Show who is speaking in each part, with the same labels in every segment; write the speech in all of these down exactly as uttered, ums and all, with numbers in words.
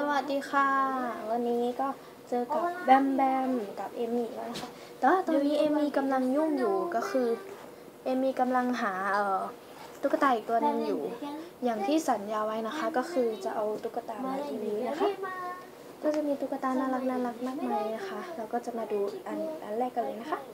Speaker 1: วัสดีค่ะวันนี้ก็เจอกับแบมแบมกับเอมี่แล้วนะคะแต่ว่าตอนนี้เอมี่กำลังยุ่งอยู่ก็คือเอมี่กำลังหาเอ่อตุ๊กตาอีกตัวนึงอยู่อย่างที่สัญญาไว้นะคะก็คือจะเอาตุ๊กตามารีวิวนะคะก็จะมีตุ๊กตาน่ารักน่ารักมากมายนะคะเราก็จะมาดูอันอันแรกกันเลยนะคะ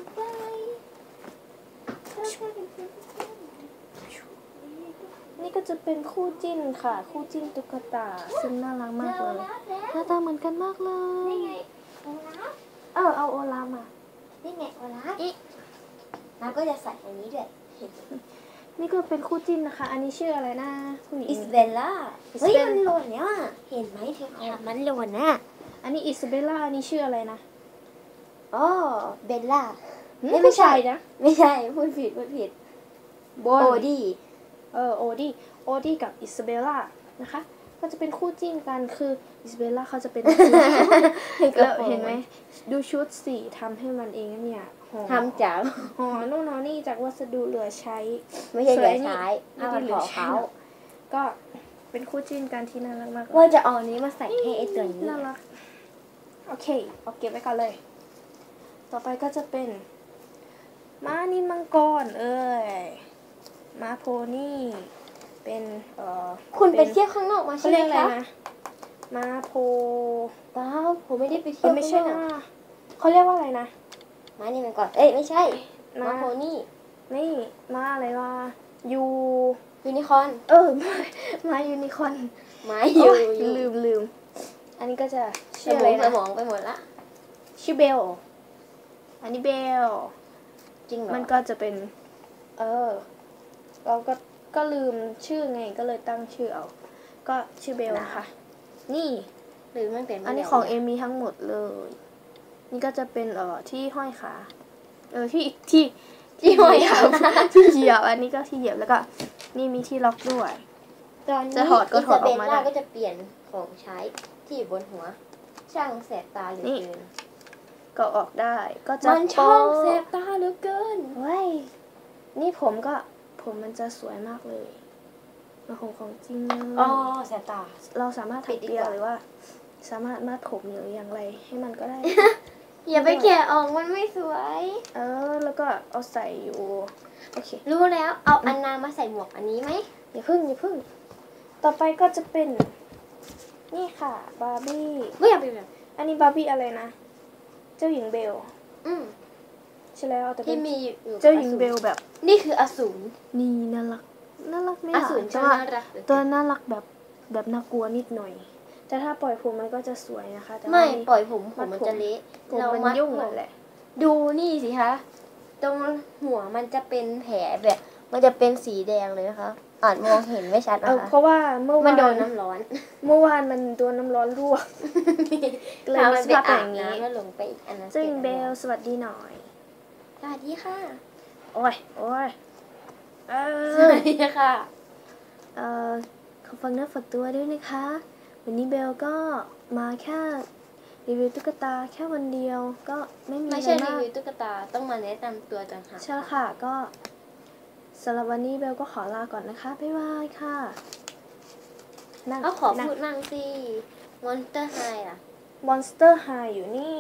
Speaker 1: นี่ก็จะเป็นคู่จิ้นค่ะคู่จิ้นตุ๊กตาซึ่งน่ารักมากเลยหน้าตาเหมือนกันมากเลย
Speaker 2: นี่ไงโอลาฟ
Speaker 1: เออเอาโอลาฟมา
Speaker 2: นี่ไงโอลาฟอีน้าก็จะใส่อันนี้ด้วย
Speaker 1: นี่ก็เป็นคู่จิ้นนะคะอันนี้ชื่ออะไรนะผู้หญิง
Speaker 2: อิสเบลล่าเฮ้ยมันหล่นเนี่ยเห็นไหมเธอค่ะมันหล่นนะ
Speaker 1: อันนี้อิสเบลล่าอันนี้ชื่ออะไรนะ
Speaker 2: อ๋อเบลล่า
Speaker 1: ไม่ใช่นะ
Speaker 2: ไม่ใช่พูดผิดพูดผิด
Speaker 1: โอดี้เออโอดี้โอดี้กับอิสเบลล่านะคะก็จะเป็นคู่จิ้นกันคืออิสเบลล่าเขาจะเป็นแล้วเห็นไหมดูชุดสีทำให้มันเองเนี่ย
Speaker 2: ทำจาก
Speaker 1: ห่อนู่นนี่จากวัสดุเหลือใช้
Speaker 2: ไม่ใช่เหลือใช้เอามาห่อเขา
Speaker 1: ก็เป็นคู่จิ้นกันที่น่ารักมาก
Speaker 2: ว่าจะเอานี้มาใส่ให้ไอตัวนี้
Speaker 1: น่ารักโอเคเอาเก็บไว้ก่อนเลยต่อไปก็จะเป็นม้านินมังกรเอ้ยม้าโพนี่เป็นเอ่อ
Speaker 2: คุณไปเที่ยวข้างนอกมาใช่ไหมคะ
Speaker 1: ม้าโพ
Speaker 2: เปล่าผมไม่ได้ไปเที่ยว
Speaker 1: ไม่ใช่นะเขาเรียกว่าอะไรนะ
Speaker 2: ม้านินมังกรเอ้ยไม่ใช่ม้าโพนี่
Speaker 1: นี่ม้าอะไรวะยู
Speaker 2: ยูนิคอร์น
Speaker 1: เออม้ายูนิคอร์น
Speaker 2: ม้ายู
Speaker 1: ลืมลืมอันนี้ก็จะ
Speaker 2: ชื่ออะไรนะสมองไปหมดละ
Speaker 1: ชื่อเบลอันนี้เบล
Speaker 2: จริงเหรอ
Speaker 1: มันก็จะเป็นเออเราก็ก็ลืมชื่อไงก็เลยตั้งชื่อเอาก็ชื่อเบลนะคะนี่
Speaker 2: หรือมันเป็น
Speaker 1: อันนี้ของเอมี่ทั้งหมดเลยนี่ก็จะเป็นเอ่อที่ห้อยขาเออที่ที่
Speaker 2: ที่ห้อยขา
Speaker 1: ที่เหยียบอันนี้ก็ที่เหยียบแล้วก็นี่มีที่ล็อกด้วย
Speaker 2: ตอนนี้จะถอดก็ถอดออกมาได้ก็จะเปลี่ยนของใช้ที่อยู่บนหัวช่างแสบตาเหลือเกิน
Speaker 1: ก็ออกได้ก็จะ
Speaker 2: มันช่างแสบตาเหลือเกิน
Speaker 1: เว้ยนี่ผมก็ผมมันจะสวยมากเลยมันของของจริงเลย
Speaker 2: อ๋อแสบตา
Speaker 1: เราสามารถถักเปียหรือว่าสามารถมัดผมหรืออย่างไรให้มันก็ได้
Speaker 2: อย่าไปแกะออกมันไม่สวย
Speaker 1: เออแล้วก็เอาใส่อยู่โอเค
Speaker 2: รู้แล้วเอาอันนามาใส่หมวกอันนี้ไหม
Speaker 1: อย่าพึ่งอย่าพึ่งต่อไปก็จะเป็นนี่ค่ะบาร์บี้
Speaker 2: ไม่อยากเป็นแบบ
Speaker 1: อันนี้บาร์บี้อะไรนะเจ้าหญิงเบล
Speaker 2: อืม
Speaker 1: ใช่แล้วแต่
Speaker 2: ที่มี
Speaker 1: เจ้าหญิงเบลแบบ
Speaker 2: นี่คืออสูร
Speaker 1: นี่น่ารักน่ารักไหม
Speaker 2: อสูรจะน่ารัก
Speaker 1: ตัวน่ารักแบบแบบน่ากลัวนิดหน่อยแต่ถ้าปล่อยผมมันก็จะสวยนะคะแต่
Speaker 2: ไม่ปล่อยผมผมมันจะเละ
Speaker 1: เรามันยุ่งนั่นแหละ
Speaker 2: ดูนี่สิคะตรงหัวมันจะเป็นแผลแบบมันจะเป็นสีแดงเลยนะคะอาจมองเห็นไม่ชัดนะคะ
Speaker 1: เพราะว่าเมื่อวาน
Speaker 2: มันโดนน้ำร้อน
Speaker 1: เมื่อวานมันโดนน้ำร้อนลวก
Speaker 2: เลยมีสภาพอย่างนี้แล้วลงไปอีกอันนั้น
Speaker 1: ซึ่งเบลสวัสดีหน่อย
Speaker 2: สวัสดีค่ะ
Speaker 1: โอ้ยโอ้ย
Speaker 2: เออสวัสดีค่ะ
Speaker 1: เอ่อขอฟังเนื้อฝากตัวด้วยนะคะวันนี้เบลก็มาแค่รีวิวตุ๊กตาแค่วันเดียวก็ไม่มีอะไรมาก
Speaker 2: ไม่ใช่รีวิวตุ๊กตาต้องมาแนะนำตัวต่างหาก
Speaker 1: ใช่ค่ะก็สำหรับวันนี้เบลก็ขอลาก่อนนะคะบ๊ายบายค่ะ
Speaker 2: ก็ขอพูดมั่งสิ Monster High อ่ะ
Speaker 1: Monster High อยู่นี่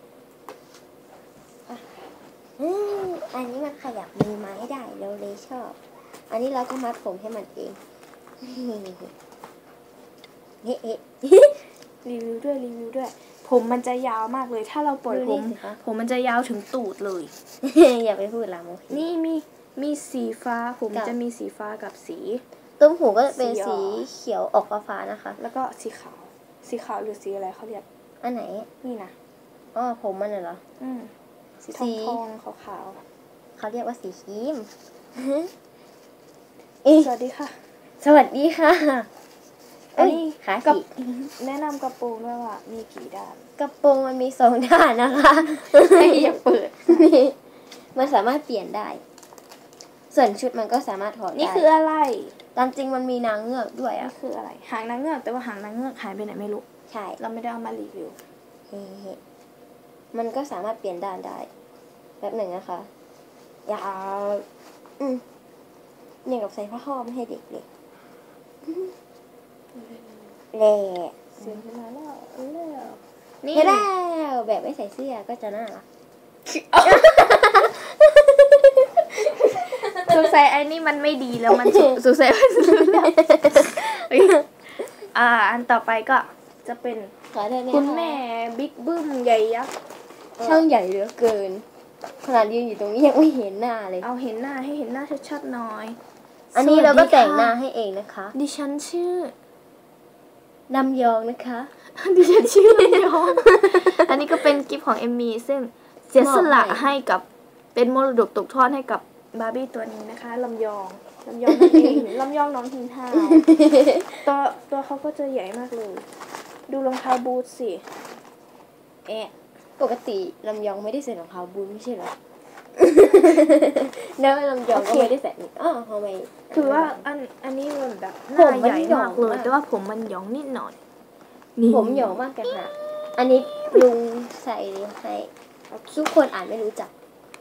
Speaker 2: อืมอันนี้มันขยับมือไม้ได้เราเลยชอบอันนี้เราก็มัดผมให้มันเองเฮ้เฮ้
Speaker 1: รีวิวด้วยรีวิวด้วยผมมันจะยาวมากเลยถ้าเราปล่อยผมผมมันจะยาวถึงตูดเลย
Speaker 2: อย่าไปพูดละโม
Speaker 1: นี่มีมีสีฟ้าผมจะมีสีฟ้ากับสี
Speaker 2: ต้มหูก็เป็นสีเขียวออกฟ้าๆนะคะ
Speaker 1: แล้วก็สีขาวสีขาวหรือสีอะไรเขาเรียก
Speaker 2: อันไหน
Speaker 1: นี่นะ
Speaker 2: อ๋อผมมันเหรอ
Speaker 1: อืมสีทองทองขาวขาว
Speaker 2: เขาเรียกว่าสีครีม
Speaker 1: สวัสดีค่ะ
Speaker 2: สวัสดีค่ะ
Speaker 1: อันนี้กับแนะนำกระโปรงด้วยว่ามีกี่ด้าน
Speaker 2: กระโปรงมันมีสองด้านนะคะ
Speaker 1: อย่าเปิด
Speaker 2: นี่มันสามารถเปลี่ยนได้ส่วนชุดมันก็สามารถถอดได้
Speaker 1: นี่คืออะไร
Speaker 2: ตามจริงมันมีนางเงือกด้วยอ่ะ
Speaker 1: นี่คืออะไรหางนางเงือกแต่ว่าหางนางเงือกหายไปไหนไม่รู้
Speaker 2: ใช่
Speaker 1: เราไม่ได้เอามารีวิว
Speaker 2: เฮ้มันก็สามารถเปลี่ยนด้านได้แบบหนึ่งนะคะยาวอืมอย่างกับใส่ผ้าห่มให้เด็กเลยแหละ
Speaker 1: เสียงขึ้นมาแล้วแล้ว
Speaker 2: นี่แล้วแบบไม่ใส่เสื้อก็จะน่ารัก
Speaker 1: สงสัยไอ้นี่มันไม่ดีแล้วมันสงสัยมันอ่าอันต่อไปก็จะเป็น
Speaker 2: ขอเธอเนี่ย
Speaker 1: คุณแม่บิ๊กบึ้มใหญ่ยักษ์
Speaker 2: ช่างใหญ่เหลือเกินขนาดยืนอยู่ตรงนี้ยังไม่เห็นหน้าเลย
Speaker 1: เอาเห็นหน้าให้เห็นหน้าชัดๆหน่อย
Speaker 2: อันนี้เราก็แต่งหน้าให้เองนะคะ
Speaker 1: ดิฉันชื่อ
Speaker 2: ลำยองนะคะ
Speaker 1: ดิฉันชื่อลำยอง อันนี้ก็เป็นกิฟต์ของเอมมี่ซึ่งเสียสละให้กับเป็นมรดกตกทอดให้กับบาร์บี้ตัวนี้นะคะลำยองลำยองนั่นเอง ลำยองน้องหินห่าวตัวตัวเขาก็จะใหญ่มากเลย ดูรองเท้าบูทสิแอะ
Speaker 2: ปกติลำยองไม่ได้ใส่รองเท้าบูทไม่ใช่เหรอ แล้วลำยองก็ไม่ได้ใส่นี่อ้าวทำไม
Speaker 1: คือว่าอันอันนี้มันแบบห
Speaker 2: ผ
Speaker 1: น้าม
Speaker 2: มัน
Speaker 1: ใหญ่
Speaker 2: หย่อ
Speaker 1: มาง กเลย
Speaker 2: มาก
Speaker 1: แต่ว่าผมมันหยองนิดหน่อยนี่
Speaker 2: ผมหยองมากกันค่ะอันนี้ลุงใส่ให้ทุกคนอ่านไม่รู้จัก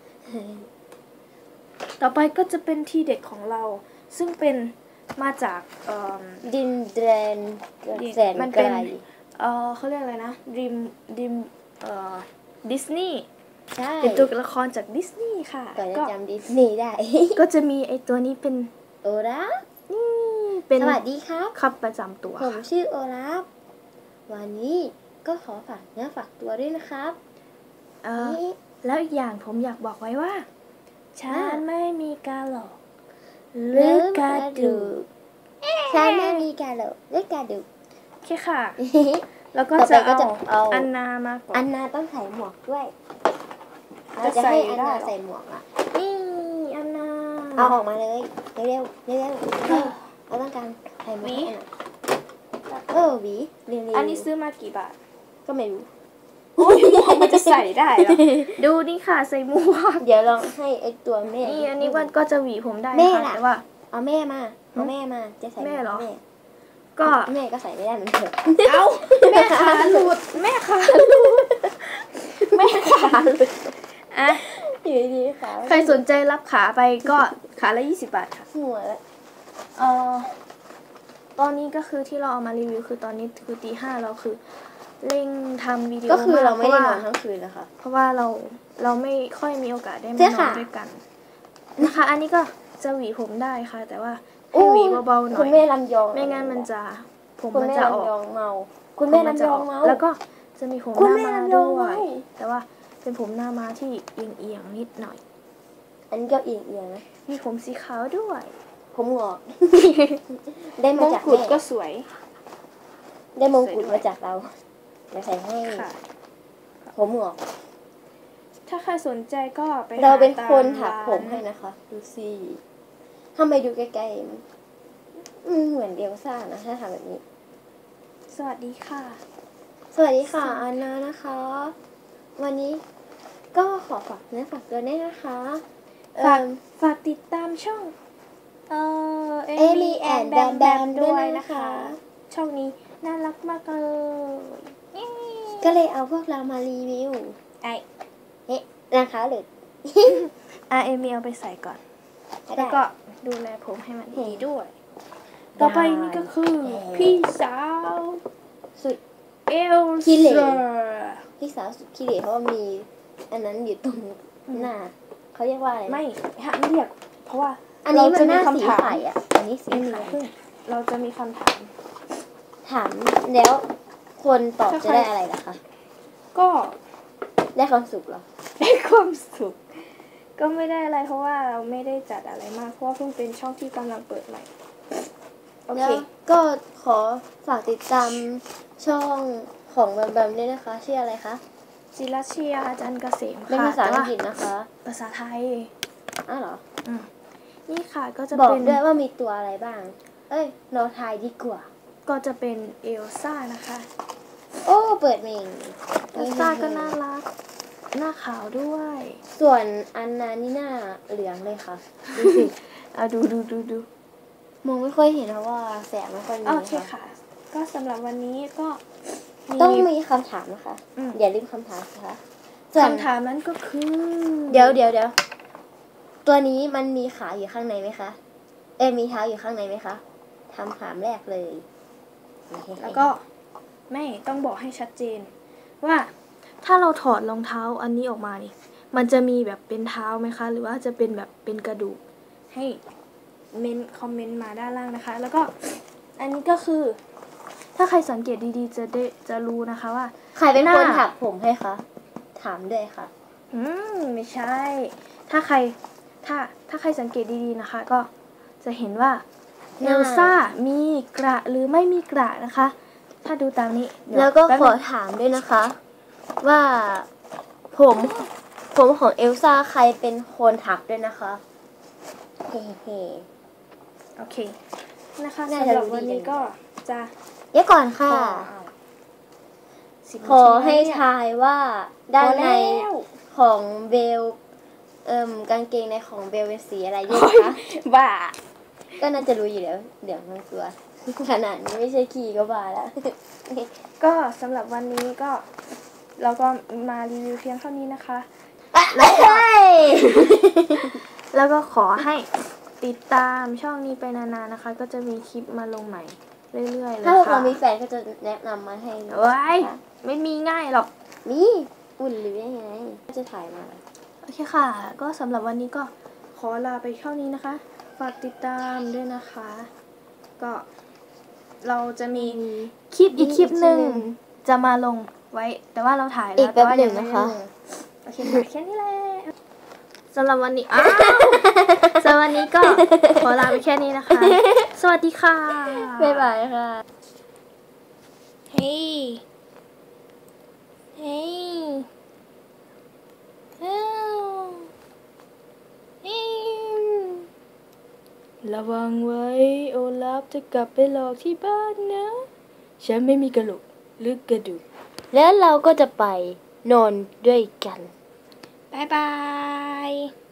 Speaker 1: ต่อไปก็จะเป็นที่เด็ดของเรา ซึ่งเป็นมาจากเอ่อ
Speaker 2: ดินแดนแสน
Speaker 1: มัน
Speaker 2: ไก
Speaker 1: เป็น
Speaker 2: ล
Speaker 1: เอ่อเขาเรียกอะไรนะดิมดิมเอ่อดิสนีย์
Speaker 2: ใช่
Speaker 1: เป็นตัวละครจากดิสนีย์ค่ะ
Speaker 2: ก่อนจะ
Speaker 1: ก็
Speaker 2: จำดิสนีย์ได้
Speaker 1: ก็จะมีไอตัวนี้เป็น
Speaker 2: โอลาฟ
Speaker 1: นี่เป็น
Speaker 2: สวัสดีครับ
Speaker 1: ครับประจำตัว
Speaker 2: ผม
Speaker 1: ค่ะ
Speaker 2: ชื่อโอลาฟวันนี้ก็ขอฝากเนื้อฝากตัวด้วยนะครับ
Speaker 1: เอ่อ
Speaker 2: นี่
Speaker 1: แล้วอีกอย่างผมอยากบอกไว้ว่า ฉัน
Speaker 2: อ่า
Speaker 1: ไม่มีการหลอกห
Speaker 2: ห
Speaker 1: รื
Speaker 2: รือ อก
Speaker 1: า
Speaker 2: ระ
Speaker 1: ร
Speaker 2: ดู
Speaker 1: ดู
Speaker 2: กฉันไม่มีการหลอกหรือกระดูก
Speaker 1: โอเคค่ะ แล้วก็
Speaker 2: ต่อไป
Speaker 1: จะ
Speaker 2: ก็จะ
Speaker 1: เอา
Speaker 2: เอา
Speaker 1: อันนามาก่อ
Speaker 2: อั
Speaker 1: น
Speaker 2: นนาต้องใส่หมวกด้วย
Speaker 1: จะ
Speaker 2: เราจะให้
Speaker 1: ใส่
Speaker 2: อัน
Speaker 1: ได้
Speaker 2: นา
Speaker 1: เหรอ
Speaker 2: ใส่หมวกอ่ะ
Speaker 1: นี่อันนา
Speaker 2: เอาออกมาเลยเร็วเร็วเร็วเร็วเร็วเราต้องการใส่หมวกให้อันนาเออหวีเรียน
Speaker 1: อันนี้ซื้อมากี่บาท
Speaker 2: ก็ไม่รู้
Speaker 1: โอ้ยหมวกมันจะใส่ได้เหรอ ดูนี่ค่ะใส่หมวก
Speaker 2: เดี๋ยวลองให้ไอตัวแม่
Speaker 1: นี่อันนี้วันก็จะหวีผมได้
Speaker 2: แม่
Speaker 1: ค่ะ
Speaker 2: ล่ะ
Speaker 1: แต่ว่า
Speaker 2: เอาแม่มาเอาแม่มาจะใส่
Speaker 1: แม่เหรอ
Speaker 2: แม่
Speaker 1: ก็
Speaker 2: แม่ก็ใส่ไม่ได้เหมือนเดิม
Speaker 1: เอ้าแม่ขาหลุดแม่ขาหลุดแม่ขาหลุดอ่ะ
Speaker 2: อยู่ดีๆค่ะ
Speaker 1: ใครสนใจรับขาไปก็ขาละยี่สิบบาทค่ะ
Speaker 2: หัวแล้ว
Speaker 1: เออตอนนี้ก็คือที่เราเอามารีวิวคือตอนนี้คือตีห้าเราคือเร่งทำวิดีโอ
Speaker 2: ก็คือเราไม่ได้น
Speaker 1: พ
Speaker 2: อน
Speaker 1: ว่
Speaker 2: ทั้งคืนนะคะ
Speaker 1: เพราะว่าเราเราไม่ค่อยมีโอกาสได้มา
Speaker 2: ใช่
Speaker 1: นอ
Speaker 2: ค่ะ
Speaker 1: นด้วยกันนะคะ อันนี้ก็จะหวีผมได้ค่ะ แต่ว่าให้หวีเบาๆหน่
Speaker 2: คุ
Speaker 1: อ
Speaker 2: ณ
Speaker 1: ย
Speaker 2: แม่ลำยอง
Speaker 1: ไม่งั้นมันจะผม
Speaker 2: คุณ
Speaker 1: มัน
Speaker 2: แม่
Speaker 1: จะออก
Speaker 2: ลำยองเมา คุณแม่ลำยองเมา
Speaker 1: แล้วก็จะมีผมห
Speaker 2: คุณ
Speaker 1: น้า
Speaker 2: แม่
Speaker 1: มา
Speaker 2: ลำยอง
Speaker 1: ด้ว
Speaker 2: เมาย
Speaker 1: แต่ว่าเป็นผมหน้ามาที่เอียงๆนิดหน่อย
Speaker 2: อันนี้ก็เอียงเอียงๆนะ
Speaker 1: มีผมสีขาวด้วย
Speaker 2: ผมงอก ได้
Speaker 1: ม
Speaker 2: มาง จาก
Speaker 1: กุฎ
Speaker 2: แม่
Speaker 1: ก็สวย
Speaker 2: ได้มงกุฎมาจากเราเดี๋ยวใส่ให้
Speaker 1: ค่ะ
Speaker 2: ผมงอก
Speaker 1: ถ้าใครสนใจก็ไป
Speaker 2: เราเป็น
Speaker 1: หตม
Speaker 2: คนถักผม
Speaker 1: ร้าน
Speaker 2: ให้นะคะ ดูสิทำไมดูใกล้ๆมันอืมเหมือนเดลซ่านะถ้าทำแบบนี้
Speaker 1: สวัสดีค่ะ
Speaker 2: สวัสดีค่ะอันนานะคะ วันนี้ก็ขอฝากเนื้อฝากตัวด้วยนะคะ
Speaker 1: ฝาก
Speaker 2: เอิ่ม
Speaker 1: ฝากติดตามช่อง เอ่อ
Speaker 2: Amy and Bam Bam
Speaker 1: ด้วย
Speaker 2: ด้วย
Speaker 1: นะ
Speaker 2: นะคะ คะ
Speaker 1: ช่องนี้น่ารักมากเลย
Speaker 2: ก็เลยเอาพวกเรามารีวิว
Speaker 1: ไอ
Speaker 2: เฮ้นะคะหรือ
Speaker 1: อาเอมีเอาไปใส่ก่อน
Speaker 2: ได้
Speaker 1: แล้วก็ดูแลผมให้มันดีด้วย
Speaker 2: ได้
Speaker 1: ต่อไปนี่ก็คือ
Speaker 2: ได้
Speaker 1: พี่สาว
Speaker 2: สุด
Speaker 1: เอล
Speaker 2: ขี้เหร่
Speaker 1: ซ่า
Speaker 2: พี่สาวสุดขี้เหร่เพราะว่ามีอันนั้นอยู่ตรงหน้าเขาเรียกว่าอะไรนะ
Speaker 1: ไม่ห้ามเรียก เพราะว่า
Speaker 2: อันนี้มันหน้า
Speaker 1: เรจะ
Speaker 2: สี
Speaker 1: คำถาม
Speaker 2: ไข่อ่ะ อันนี้สี
Speaker 1: เอมี
Speaker 2: ไข่
Speaker 1: เพิ่งเราจะมีคำถาม
Speaker 2: ถามแล้วคนตอบ
Speaker 1: ถ้า
Speaker 2: จะ
Speaker 1: ใคร
Speaker 2: ได้อะไรล่ะคะ
Speaker 1: ก็
Speaker 2: ได้ความสุขเหรอ
Speaker 1: ได้ความสุข ก็ไม่ได้อะไรเพราะว่าเราไม่ได้จัดอะไรมาก เพราะว่าเพิ่งเป็นช่องที่กำลังเปิดใหม่ โอเค
Speaker 2: แล้วก็ขอฝากติดตามช่องของแบมแบมด้วยนะคะ ชื่ออะไรคะ
Speaker 1: จิรัชยาจันทร์เกษมค่ะ
Speaker 2: เป็นภาษาอังกฤษ
Speaker 1: แต่ว่
Speaker 2: นะคะ
Speaker 1: ภาษาไทย
Speaker 2: อ้าวเหรอ
Speaker 1: อืมนี่ค่ะก็จะ
Speaker 2: บอก
Speaker 1: เป็น
Speaker 2: ด้วยว่ามีตัวอะไรบ้าง เอ้ยเราทายดีกว่า
Speaker 1: ก็จะเป็นเอลซ่านะคะ
Speaker 2: โอ้เปิดเมง
Speaker 1: เอลซ่าก็น่ารัก หน้าขาวด้วย
Speaker 2: ส่วนอันนานี่หน้าเหลืองเลยค่ะ ดูสิ
Speaker 1: อ่ะดูดูดูดู
Speaker 2: มองไม่ค่อยเห็นเพราะว่าแสงไม่ค่อยมี
Speaker 1: โอเค
Speaker 2: ค่ะ
Speaker 1: ค่ะ ก็สำหรับวันนี้ก็มี
Speaker 2: ต้องมีคำถามนะคะ
Speaker 1: อืม
Speaker 2: อย่าลืมคำถามนะคะส่วน
Speaker 1: คำถามนั้นก็คือ
Speaker 2: เดี๋ยวเดี๋ยวเดี๋ยวตัวนี้มันมีขาอยู่ข้างในไหมคะ เอ้ยมีเท้าอยู่ข้างในไหมคะคำถามแรกเลย
Speaker 1: แล้วก็ไม่ต้องบอกให้ชัดเจน ว่าถ้าเราถอดรองเท้าอันนี้ออกมานี่มันจะมีแบบเป็นเท้าไหมคะ หรือว่าจะเป็นแบบเป็นกระดูกให้เมนคอมเมนต์มาด้านล่างนะคะ แล้วก็อันนี้ก็คือ ถ้าใครสังเกตดีๆจะได้จะรู้นะคะว่า
Speaker 2: ใครเป็น
Speaker 1: หน้า
Speaker 2: คนถักผมให้คะถามด้วยค่ะ
Speaker 1: อืมไม่ใช่ ถ้าใครถ้าถ้าใครสังเกตดีๆนะคะ ก็จะเห็นว่า
Speaker 2: ห
Speaker 1: เอ
Speaker 2: น้า
Speaker 1: ลซ่ามีกระหรือไม่มีกระนะคะ ถ้าดูตามนี้เดี๋ย
Speaker 2: แล้วก็
Speaker 1: ป๊บ
Speaker 2: ขอ
Speaker 1: นึง
Speaker 2: ถามด้วยนะคะ ว่าผมผมของเอลซ่าใครเป็นคนถักด้วยนะคะเฮ้เฮ้
Speaker 1: โอเคนะคะ
Speaker 2: น่า
Speaker 1: สำ
Speaker 2: จะ
Speaker 1: หรับ
Speaker 2: รู้ดี
Speaker 1: วันนี้
Speaker 2: กัน
Speaker 1: ก็จะ
Speaker 2: เดี๋ยวก่อน
Speaker 1: ข
Speaker 2: ค่ะ
Speaker 1: อสิบ
Speaker 2: ขอ
Speaker 1: นาที
Speaker 2: ให้
Speaker 1: แล้วเนี่ย
Speaker 2: ทายว่าด้านใน
Speaker 1: พอแล้ว
Speaker 2: ของเบลเอิ่มกางเกงในของเบลเป็นสีอะไรด้วยคะ
Speaker 1: บ้า
Speaker 2: ก็น่าจะรู้อยู่แล้วเดี๋ยวมันตัว ขนาดนี้ไม่ใช่ขี่ก็บ้าแล้ว
Speaker 1: ก็สำหรับวันนี้ก็เราก็มารีวิวเพียงเท่านี้นะคะ
Speaker 2: แล้วก็
Speaker 1: แล้วก็ขอให้ติดตามช่องนี้ไปนานๆนะคะ ก็จะมีคลิปมาลงใหม่เรื่อยๆเลย
Speaker 2: ถ้าพวก
Speaker 1: ค่ะ
Speaker 2: เรามีแฟนก็จะแนะนำมาให้
Speaker 1: โอ้ยไม่มีง่ายหรอก
Speaker 2: มีอุ่นหรือยังไงก็จะถ่ายมา
Speaker 1: โอเคค่ะ ก็สำหรับวันนี้ก็ขอลาไปเท่านี้นะคะ ฝากติดตามด้วยนะคะ ก็เราจะมีคลิปอีกคลิปหนึ่งจะมาลงไว้ แต่ว่าเราถ่ายแล้ว
Speaker 2: อีกแป๊บ
Speaker 1: ต่ว่า
Speaker 2: หนึ่
Speaker 1: ยัง ไม่
Speaker 2: นะคะ
Speaker 1: ได้ลงโอเคค่ะแค่นี้แหละสำหรับวันนี้อ้าวสำหรับวันนี้ก็ขอลาไปแค่นี้นะคะ สวัสดีค่ะ
Speaker 2: บ๊ายบายค่ะ
Speaker 1: เฮ้ยเฮ้ยเฮ้ยเฮ้ยระวังไว้โอลาฟจะกลับไปหลอกที่บ้านนะ ฉันไม่มีกระโหลกหรือกระดูก
Speaker 2: แล้วเราก็จะไปนอนด้วยกัน
Speaker 1: บ๊ายบาย